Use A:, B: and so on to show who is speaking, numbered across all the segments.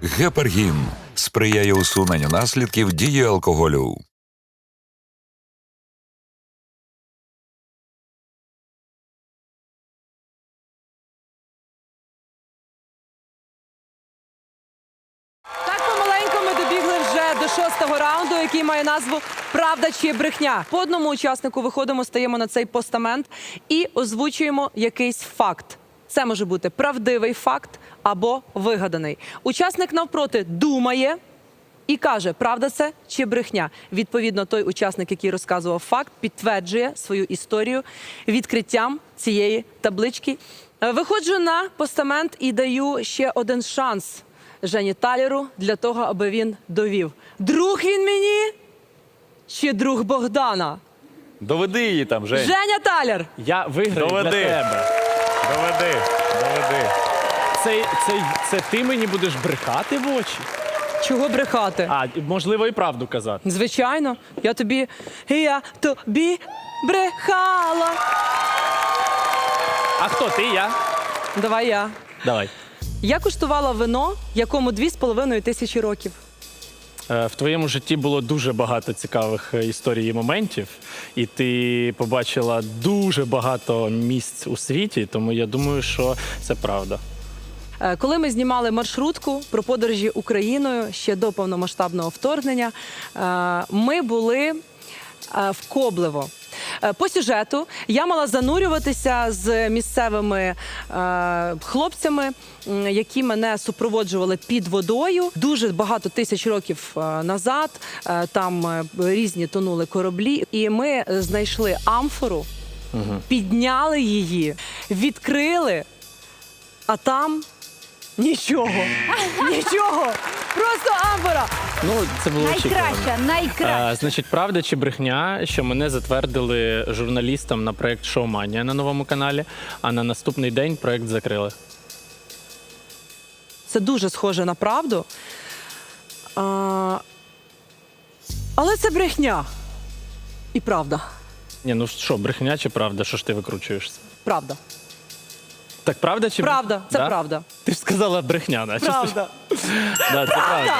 A: Гепаргін сприяє усуненню наслідків дії алкоголю.
B: Так помаленьку ми добігли вже до 6-го раунду, який має назву «Правда чи брехня?». По одному учаснику виходимо, стаємо на цей постамент і озвучуємо якийсь факт. Це може бути правдивий факт або вигаданий. Учасник навпроти думає і каже, правда це чи брехня. Відповідно, той учасник, який розказував факт, підтверджує свою історію відкриттям цієї таблички. Виходжу на постамент і даю ще один шанс Жені Талеру для того, аби він довів. Друг він мені чи друг Богдана?
C: Доведи її там, Жень.
B: Женя Талер!
D: Я виграю для
C: Доведи.
D: тебе.
C: Доведи.
D: Це ти мені будеш брехати в очі?
B: Чого брехати?
D: А, можливо, і правду казати.
B: Звичайно, я тобі брехала.
D: А хто ти, я?
B: Давай я.
D: Давай.
B: Я куштувала вино, якому 2500 років.
D: В твоєму житті було дуже багато цікавих історій і моментів, і ти побачила дуже багато місць у світі, тому я думаю, що це правда.
B: Коли ми знімали маршрутку про подорожі Україною ще до повномасштабного вторгнення, ми були в Коблево. По сюжету я мала занурюватися з місцевими хлопцями, які мене супроводжували під водою. Дуже багато тисяч років назад там різні тонули кораблі. І ми знайшли амфору, підняли її, відкрили, а там нічого. Нічого. Просто амфора.
D: Ну, це було очікувано.
E: Найкраща.
D: Значить, правда чи брехня, що мене затвердили журналістом на проєкт «Шоуманія» на новому каналі, а на наступний день проєкт закрили.
B: Це дуже схоже на правду. Але це брехня. І правда.
D: Ні, ну що, брехня чи правда? Що ж ти викручуєшся?
B: Правда.
D: Так правда чи
B: Правда. Це
D: Да?
B: правда.
D: Ти ж сказала брехня, наче.
B: Правда.
D: Да, це правда.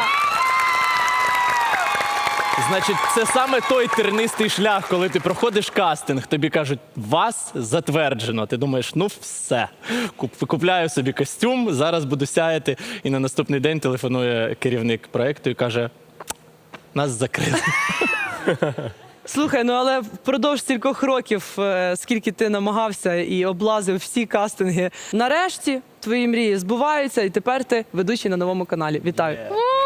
D: Значить, це саме той тернистий шлях, коли ти проходиш кастинг, тобі кажуть, вас затверджено. Ти думаєш, ну все, купляю собі костюм, зараз буду сяяти. І на наступний день телефонує керівник проєкту і каже, нас закрили.
B: Слухай, ну але впродовж стількох років, скільки ти намагався і облазив всі кастинги, нарешті твої мрії збуваються, і тепер ти ведучий на новому каналі. Вітаю.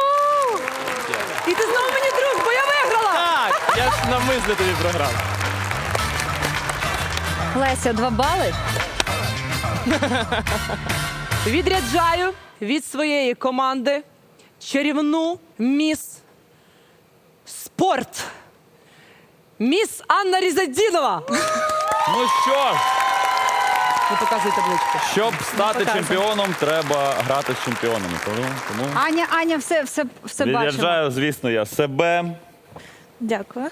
B: І ти знову мені друг, бо я виграла!
D: Так, я ж навмисно тобі програв.
E: Леся, 2 бали.
B: Відряджаю від своєї команди чарівну міс спорт. Міс Анна Різадінова.
C: Ну що ж,
B: Не показуй табличку.
C: щоб стати
B: Показуй.
C: чемпіоном, треба грати з чемпіонами. Тому
E: Аня, все бачимо.
C: відряджаю, звісно, я себе.
E: Дякую.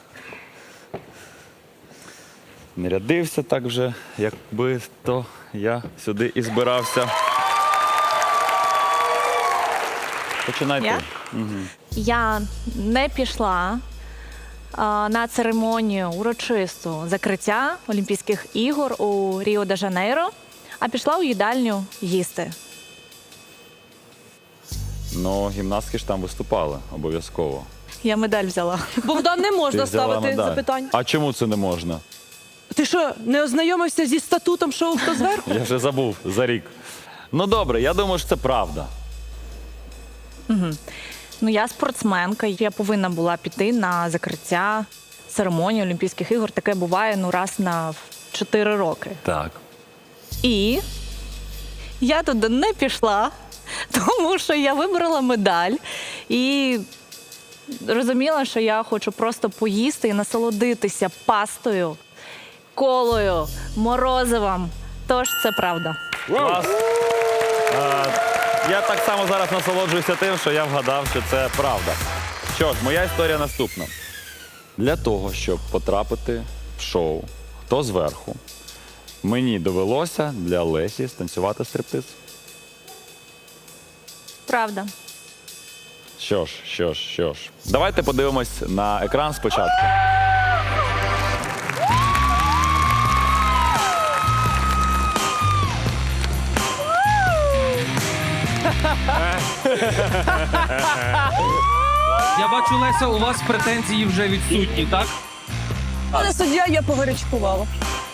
C: Не рядився так вже, якби то я сюди і збирався. Починай ти.
F: Я? Я не пішла на церемонію урочисту закриття Олімпійських ігор у Ріо-де-Жанейро, а пішла у їдальню їсти.
C: Ну, гімнастки ж там виступали, обов'язково.
F: Я медаль взяла.
B: Богдан, не можна
C: Ти взяла
B: ставити
C: медаль.
B: запитань.
C: А чому це не можна?
B: Ти що, не ознайомився зі статутом шоу «Хто зверху»?
C: Я вже забув за рік. Ну добре, я думаю, що це правда.
F: Ну, я спортсменка, я повинна була піти на закриття церемонії Олімпійських ігор. Таке буває раз на 4 роки.
C: Так.
F: І я туди не пішла, тому що я вибрала медаль і розуміла, що я хочу просто поїсти і насолодитися пастою, колою, морозивом. Тож це правда.
C: Клас. Я так само зараз насолоджуюся тим, що я вгадав, що це правда. Що ж, моя історія наступна. Для того, щоб потрапити в шоу «Хто зверху», мені довелося для Лесі станцювати стриптиз.
F: Правда.
C: Що ж. Давайте подивимось на екран спочатку.
G: Я бачу, Леся, у вас претензії вже відсутні, так?
B: Пане суддя, я погарячкувала.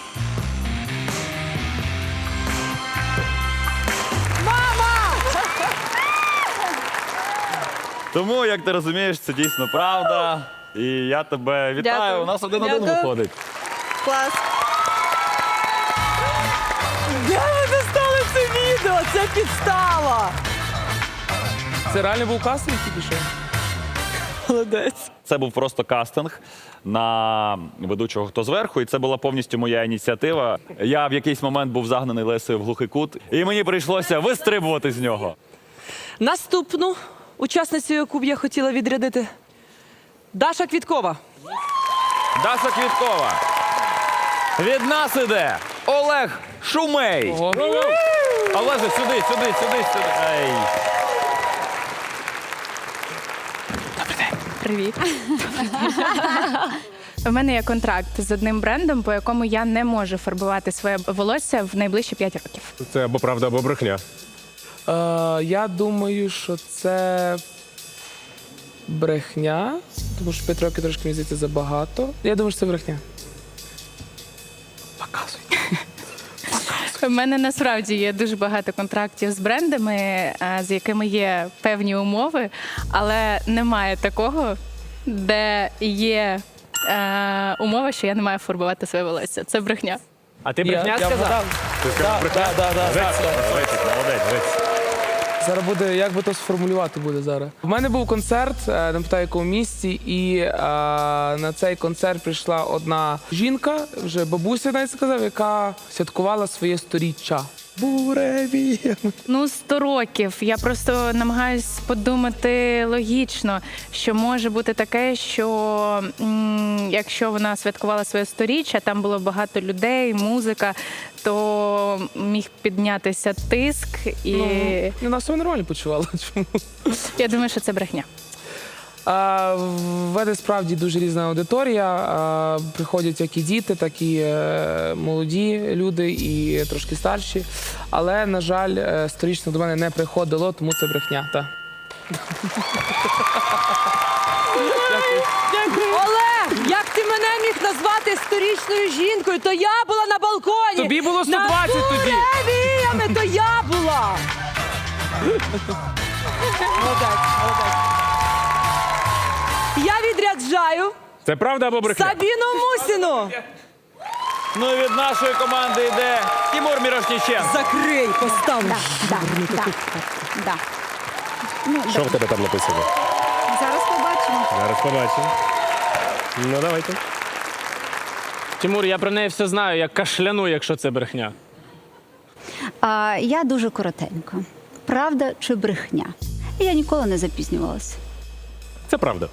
C: Тому, як ти розумієш, це дійсно правда. І я тебе вітаю.
B: Дякую.
C: У нас 1-1
B: Дякую.
C: виходить.
F: Клас.
B: Де ви достали це відео? Це підстава.
G: Це реально був кастинг тільки що?
B: Молодець.
C: Це був просто кастинг на ведучого «Хто зверху», і це була повністю моя ініціатива. Я в якийсь момент був загнаний Лесею в глухий кут, і мені прийшлося вистрибувати з нього.
B: Наступну учасницю, яку б я хотіла відрядити. Даша Квіткова.
C: Даша Квіткова. Від нас іде Олег Шумей. Олеже, сюди. Ей.
H: Привіт. У мене є контракт з одним брендом, по якому я не можу фарбувати своє волосся в найближчі 5 років.
I: Це або правда, або брехня.
G: Я думаю, що це брехня, тому що 5 років трошки, мені здається, забагато. Я думаю, що це брехня. Показуй.
H: У мене насправді є дуже багато контрактів з брендами, з якими є певні умови, але немає такого, де є умова, що я не маю фарбувати своє волосся. Це брехня.
D: А ти брехня сказав?
G: вгадав.
C: Молодець.
G: Зараз буде, як би то сформулювати буде зараз. У мене був концерт, не пам'ятаю, в якому місті, і на цей концерт прийшла одна жінка, вже бабуся навіть сказав, яка святкувала своє 100-річчя. Буреві.
H: 100 років. Я просто намагаюсь подумати логічно, що може бути таке, що якщо вона святкувала своє 100-річчя, там було багато людей, музика, то міг піднятися тиск. І
G: У нас все нормально почувала. Чому?
H: я думаю, що це брехня.
G: В мене справді дуже різна аудиторія. Приходять як і діти, так і молоді люди, і трошки старші. Але, на жаль, 100-річних до мене не приходило, тому це брехня. Та.
B: Олег, як ти мене міг назвати 100-річною жінкою? То я була на балконі.
G: Тобі було 120 тоді.
B: Буревіями, то я була. Молодець. Я відряджаю
I: Це правда або брехня?
B: Сабіну Мусіну.
C: Ну і від нашої команди йде Тимур Мірошніченко.
B: Закрий, поставлю.
E: Да. Ну,
I: Що в тебе там написано?
E: зараз побачимо.
I: Зараз побачимо. Ну, давайте.
D: Тимур, я про неї все знаю, я кашляну, якщо це брехня.
E: Я дуже коротенько. Правда чи брехня? Я ніколи не запізнювалася.
I: Це правда.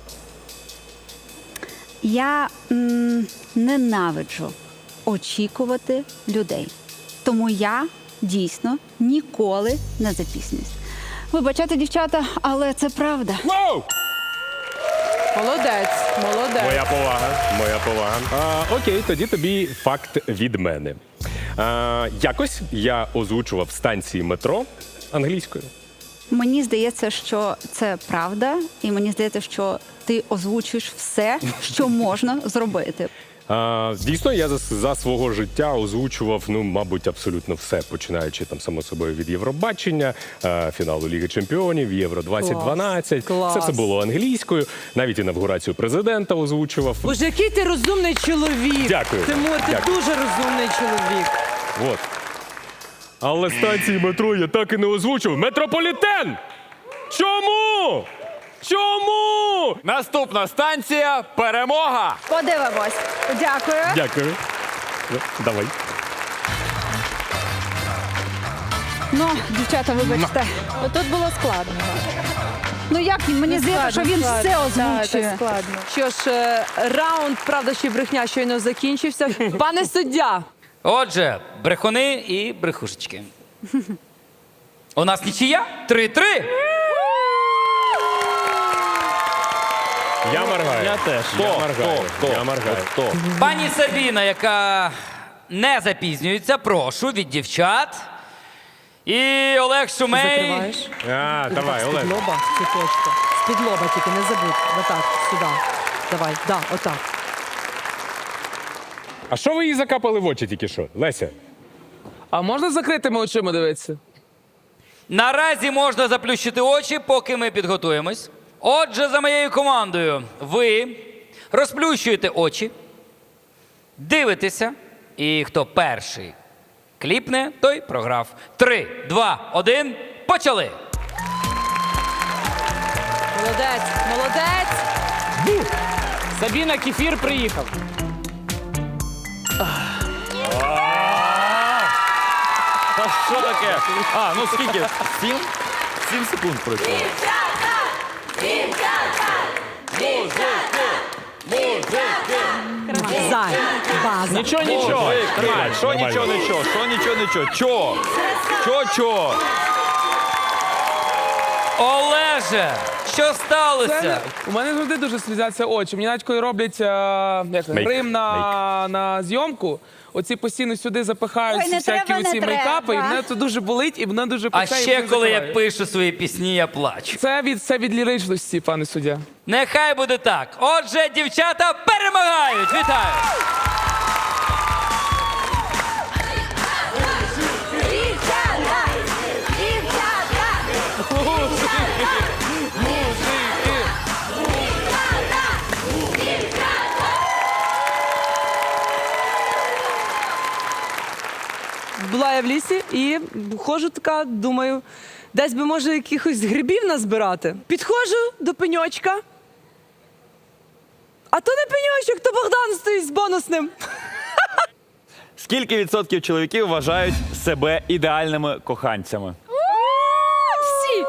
E: Я ненавиджу очікувати людей. Тому я дійсно ніколи не запізнююсь. Вибачайте, дівчата, але це правда.
I: Воу!
B: Молодець.
I: Моя повага. Окей, тоді тобі факт від мене. Якось я озвучував станції метро англійською.
E: Мені здається, що це правда, і мені здається, що ти озвучуєш все, що можна зробити.
I: Дійсно, я за свого життя озвучував, мабуть, абсолютно все, починаючи там, само собою, від Євробачення, фіналу Ліги Чемпіонів, Євро 2012.
B: Клас.
I: Це все було англійською. Навіть інавгурацію президента озвучував.
B: Боже, який ти розумний чоловік.
I: Дякую.
B: Тимур, ти
I: Дякую.
B: дуже розумний чоловік.
I: От. Але станції метро я так і не озвучив. Метрополітен! Чому? Чому?
C: Наступна станція Перемога.
E: Подивимось. Дякую.
I: Дякую. Давай.
E: Дівчата, вибачте.
F: Тут було складно.
E: Як він? Мені здається, що він все
F: Так,
E: озвучує.
F: складно.
B: Що ж, раунд «Правда чи брехня» щойно закінчився. Пане суддя,
J: Отже, брехуни і брехушечки. У нас нічия? 3-3.
I: Я моргаю.
D: Я теж.
I: Я моргаю.
C: Хто?
J: Пані Сабіна, яка не запізнюється, прошу від дівчат. І Олег Шумей.
B: Закриваєш.
I: Давай, Олег.
B: З-під лоба, цвіточка. З-під лоба тільки, не забудь. Отак, сюди. Давай, да, отак.
I: А що ви їй закапали в очі тільки що? Леся?
G: А можна з закритими очима дивитися?
J: Наразі можна заплющити очі, поки ми підготуємось. Отже, за моєю командою, ви розплющуєте очі, дивитеся, і хто перший кліпне, той програв. 3, 2, 1, почали!
B: Молодець, молодець.
D: Сабіна, кефір приїхав.
C: Та що таке? А, ну скільки? 7 секунд пройшло.
B: Зай, база.
D: Нічого.
C: Тримай, що нічого, нічого, що нічого, нічого. Чо?
J: Олеже, що сталося?
G: У мене завжди дуже слізяться очі. Мені навіть коли роблять
I: Мейк.
G: грим на зйомку, оці постійно сюди запихають
E: Ой, не
G: всякі
E: треба, не
G: оці мейкапи, і
E: треба.
G: мене це дуже болить, і мене дуже
J: А
G: пече, і
J: ще
G: мене
J: коли я
G: закриває.
J: пишу свої пісні, я плачу.
G: Це від ліричності, пане суддя.
J: Нехай буде так. Отже, дівчата перемагають. Вітаю!
B: Була я в лісі і ходжу така, думаю, десь би, може, якихось грибів назбирати. Підходжу до пеньочка. А то не пеньочок, то Богдан стоїть з бонусним.
C: Скільки відсотків чоловіків вважають себе ідеальними коханцями?
E: Всі!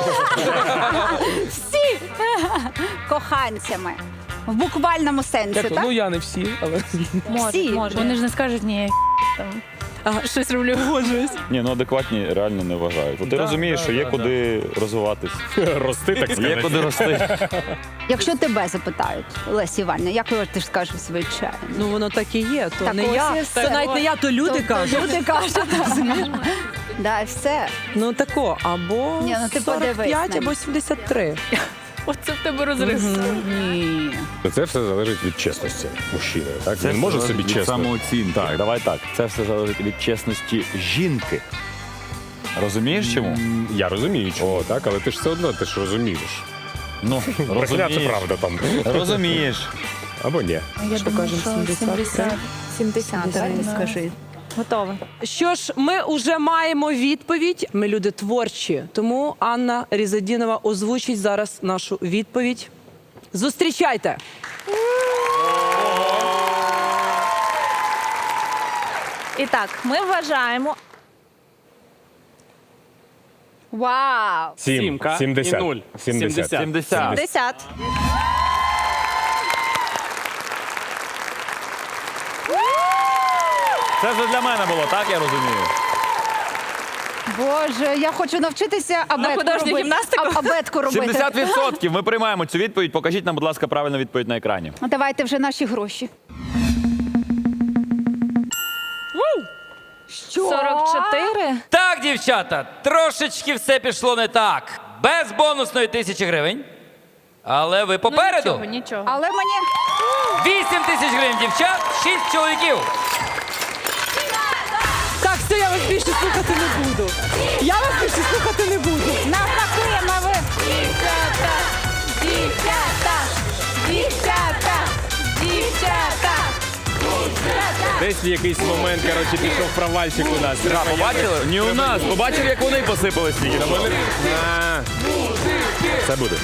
E: Всі! Коханцями. В буквальному сенсі,
G: Дякую.
E: так?
G: Ну я не всі, але
E: Всі.
H: Вони ж не скажуть, ні, там, щось роблю.
C: Ні, ну адекватні реально не вважають. Бо ти розумієш, що є куди розвиватись,
I: Рости, так
C: є
I: сказати.
C: куди рости.
E: Якщо тебе запитають, Лесі Іванівна, як ти ж скажеш звичайно?
B: Ну воно так і є. То
E: Так
B: не
E: ось
B: я,
E: і все.
B: то навіть не я, то люди кажуть.
E: Люди кажуть. Да, все.
B: Ну тако, або
E: Ні, ну ти подивись
B: 45,
E: на
B: або 73.
H: Оце в тебе розрив.
E: Ні.
I: Це все залежить від чесності мужчини. Так? Він може собі
C: від
I: чесно.
C: самооцінки.
I: Так.
C: Давай так. Це все залежить від чесності жінки. Розумієш чому?
I: Я розумію, чого, так, але ти ж все одно ти ж розумієш.
C: Ну,
I: Брехня це
C: розумієш.
I: правда там.
C: Розумієш.
I: Або ні.
H: Я думаю, що 70.
E: Давайте скажи.
H: Готова.
B: Що ж, ми вже маємо відповідь. Ми люди творчі. Тому Анна Різадінова озвучить зараз нашу відповідь. Зустрічайте!
F: І так, ми вважаємо.
E: Вау!
D: Сімка
I: 70.
D: і 0.
I: 70.
C: 70.
F: 10.
C: Це вже для мене було, так я розумію?
E: Боже, я хочу навчитися абетку
F: художню
E: робити.
F: гімнастику?
E: Абетку робити.
C: 70%. Ми приймаємо цю відповідь. Покажіть нам, будь ласка, правильну відповідь на екрані.
E: Давайте вже наші гроші. Що?
F: 44.
J: Так, дівчата, трошечки все пішло не так. Без бонусної 1000 гривень. Але ви попереду.
H: Нічого.
E: Але мені...
J: 8000 гривень дівчат, 6 чоловіків.
B: Так, все, я вас більше слухати не буду. Я вас більше слухати не буду.
E: Навпаки, ви... Дівчата! Дівчата! Дівчата! Дівчата!
I: Десь в якийсь момент, коротше, пішов провальчик у нас. Треба
C: Побачили? Ні у нас. Побачили, як вони посипались тільки.
I: А. Це буде.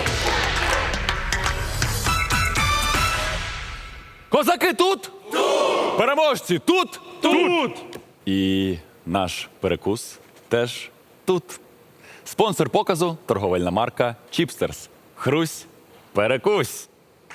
C: Козаки тут? Тут! Переможці тут? Тут! І наш перекус теж тут. Спонсор показу – торговельна марка Чіпстерс. Хрусь, перекусь.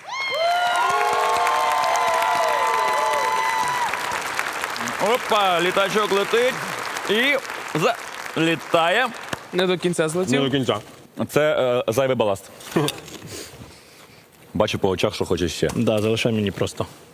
C: Опа, літачок летить і залітає.
G: не до кінця
I: Не
G: злетів.
I: до кінця.
C: Це зайвий баласт. Бачу по очах, що хочеш ще.
D: Да, залишай мені просто.